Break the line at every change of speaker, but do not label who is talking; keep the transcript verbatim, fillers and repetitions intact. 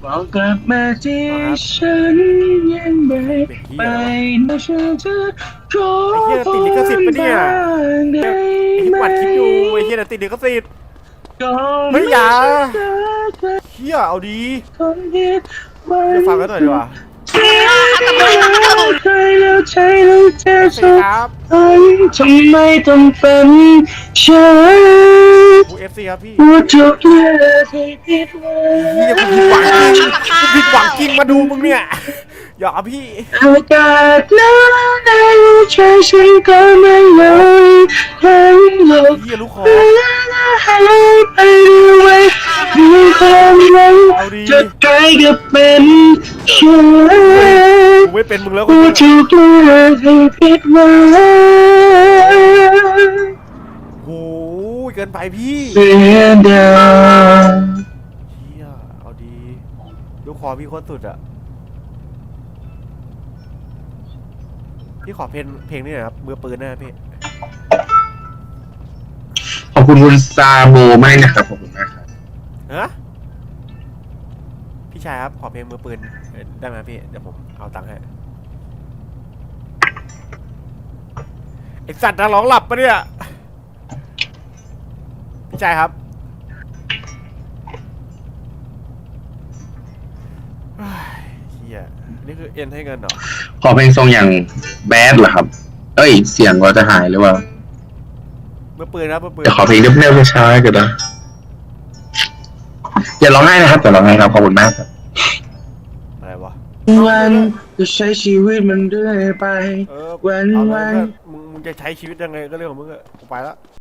บอกกลับมาที่ฉันยังไม่ไปนะฉันจะขอ
ไอ้เหี้ย
พ
ติดลิขสิทธิ์
ร
ปะเนี่ย
บ้างได้
ไอ้ที่
ไหม
ปัดคลิปอยู่ไอ้เหี้ยติดลิขสิทธิ์
ก่อน
เฮ้ยอย่า
จะเจอ
เหี้ยเอาดี
คนคิดไว้
เดี๋ยวฟังกันหน่อยดีกว่า
ใครแล้วใช่แล้วเจ็บ
เอฟซี
สุด
ครับ
ทำไมต้องเป็นฉัน
กูเอฟซีครับพี่
ว่าทุกเรื่องที่ผิดหวั
เหี้ย
ง
กูผิดหวังจริงกูผิดหวังจริงมาดูมึงเนี่ยอย่าพี่
อากาศหนาวในหัวใจฉันก็ไม่ยอมให้หลบ
เหี้ยลูกคอ
เวลาหายไปด้วยมีความหวัง
เอาดี
จะใกล้กับเป็นฉัน
กูไม่เป็นมึงแล้วกู
ว่าทุกเรื่องที่ผิดหวัง
โอ้ยเกินไปพี่
เสียดาย
เฮียเอาดีลูกคอพี่โคตรสุดอะพี่ขอเพลงเพลงนี้หน่อยครับมือปืนนะพี่
ขอบคุณคุณซาโบมากนะครับขอบคุณมากครับ
ฮะพี่ชายครับขอเพลงมือปืนได้ไหมพี่เดี๋ยวผมเอาตังค์ให้ไอสัตว์นักร้องหลับปะเนี่ยพี่ชายครับเฮ้ยเฮียนี่คือเอ็นให้เงินเหรอ
ขอเพลงทรงอย่างแบดเหรอครับ เอ้ย เสียงเราจะหายหรือเปล่า
มือปืนครับมือปืน
เดี๋ยวขอเพลงเรียบๆช้าๆก็ได้อย่าร้องไห้นะครับอย่าร้องไห้ครับขอบคุณมากครับ
อะไรวะ
วันจะใช้ชีวิตมันเรื่อยไป
เออ
วัน
เอาเลย
วัน
เพื่อนมึงมึงจะใช้ชีวิตยังไงก็เรื่องของมึงอะกูไปละ